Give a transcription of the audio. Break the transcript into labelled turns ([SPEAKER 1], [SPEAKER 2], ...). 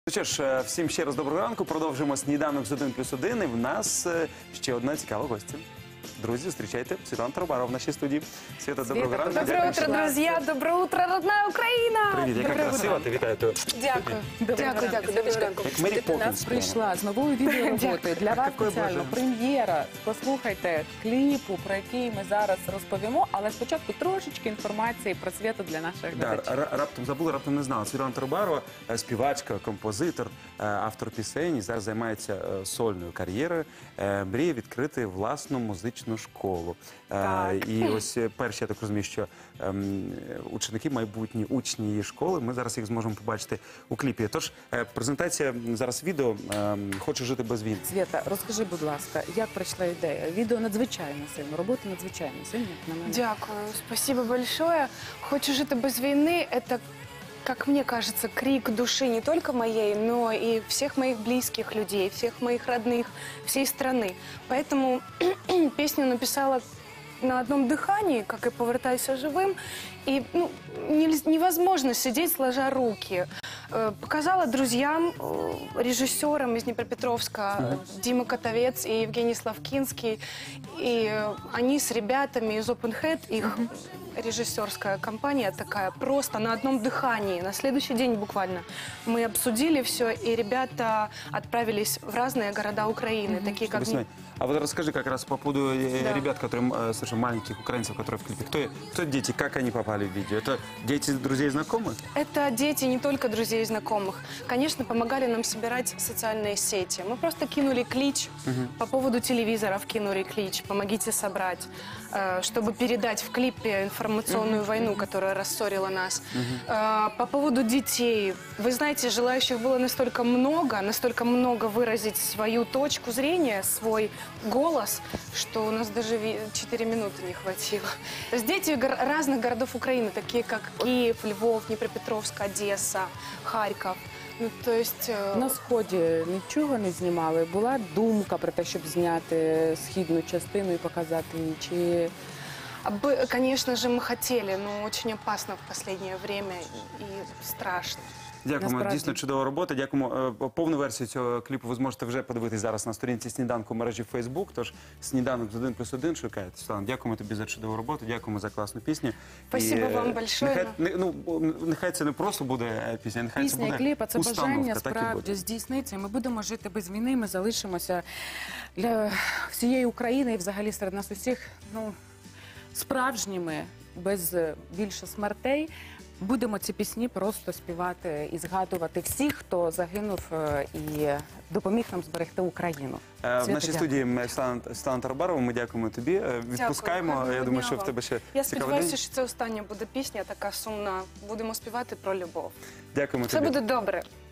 [SPEAKER 1] Ну що ж, всім ще раз доброго ранку. Продовжуємо сніданок з 1+1. І в нас ще одна цікава гостя. Друзі, зустрічайте Світлана Тарабарова в нашій студії. Світа, доброго ранку.
[SPEAKER 2] Доброе утро, друзья! Доброе утро, родная Україна!
[SPEAKER 1] Привіт, яка красива, ти вітаю тебе.
[SPEAKER 2] Дякую. Дякую.
[SPEAKER 1] Як Мері
[SPEAKER 3] Ти до нас
[SPEAKER 1] Поппінс.
[SPEAKER 3] прийшла з новою відеороботою. Для вас
[SPEAKER 1] Такої
[SPEAKER 3] спеціально
[SPEAKER 1] бажано.
[SPEAKER 3] прем'єра. Послухайте кліпу, про який ми зараз розповімо, але спочатку трошечки інформації про Світу для наших глядачів.
[SPEAKER 1] Раптом забули, раптом не знала. Світлана Тарабарова, співачка, композитор, автор пісень, і зараз займається сольною кар'єрою. Мріє відкрити власну музичну школу. І ось перші, я так розумію, що ученики, майбутні учні її школи, ми зараз їх зможемо побачити у кліпі. Тож, презентація зараз відео «Хочу жити без війни».
[SPEAKER 3] Світа, розкажи, будь ласка, як прийшла ідея? Відео надзвичайно сильно, робота надзвичайно сильна, як на мене.
[SPEAKER 2] Дякую. Спасибо большое. «Хочу жить без войны» — это, как мне кажется, крик души не только моей, но и всех моих близких людей, всех моих родных, всей страны. Поэтому песню написала на одном дыхании, как и «Повертайся живым». И невозможно сидеть сложа руки. Показала друзьям, режиссерам из Днепропетровска, Дима Котовец и Евгений Славкинский. И они с ребятами из Open Head, их режиссерская компания такая, просто на одном дыхании, на следующий день буквально, мы обсудили все, и ребята отправились в разные города Украины, такие как...
[SPEAKER 1] А вот расскажи как раз по поводу ребят, которые, слушай, маленьких украинцев, которые в клипе. Кто дети, как они попали в видео? Это дети друзей и знакомых?
[SPEAKER 2] Это дети не только друзей и знакомых. Конечно, помогали нам собирать социальные сети. Мы просто кинули клич, по поводу телевизоров кинули клич, помогите собрать, чтобы передать в клипе информационную войну, которая рассорила нас. По поводу детей. Вы знаете, желающих было настолько много выразить свою точку зрения, свой голос, что у нас даже 4 минуты не хватило. То есть дети разных городов Украины, такие как Киев, Львов, Днепропетровск, Одесса, Харьков. Ну, то есть...
[SPEAKER 3] На Сході нічого не знімали? Була думка про те, щоб зняти східну частину і показати її? Чи...
[SPEAKER 2] Конечно же, мы хотели, но очень опасно в последнее время и страшно.
[SPEAKER 1] Дякуємо,
[SPEAKER 3] Насправді.
[SPEAKER 1] дійсно чудова робота. Дякуємо. Повну версію цього кліпу ви зможете вже подивитись зараз на сторінці «Сніданку» в мережі Facebook. Тож «Сніданок з 1+1» шукайте. Світлана, дякуємо тобі за чудову роботу, дякуємо за класну пісню.
[SPEAKER 2] Спасибо вам большое.
[SPEAKER 1] Нехай це не просто буде пісня, нехай це
[SPEAKER 3] Пісня
[SPEAKER 1] буде
[SPEAKER 3] і кліп, а це
[SPEAKER 1] установка,
[SPEAKER 3] бажання
[SPEAKER 1] так і
[SPEAKER 3] справді
[SPEAKER 1] буде.
[SPEAKER 3] здійсниться. Ми будемо жити без війни, ми залишимося для всієї України і взагалі серед нас усіх справжніми, без більше смертей. Будемо ці пісні просто співати і згадувати всіх, хто загинув і допоміг нам зберегти Україну.
[SPEAKER 1] В нашій студії Світлана Тарабарова, ми дякуємо тобі. Відпускаємо,
[SPEAKER 2] Дякую.
[SPEAKER 1] я думаю, що в тебе ще
[SPEAKER 2] Я
[SPEAKER 1] цікавий
[SPEAKER 2] сподіваюся,
[SPEAKER 1] день.
[SPEAKER 2] що це остання буде пісня, така сумна. Будемо співати про любов.
[SPEAKER 1] Дякуємо
[SPEAKER 2] Все
[SPEAKER 1] тобі.
[SPEAKER 2] буде добре.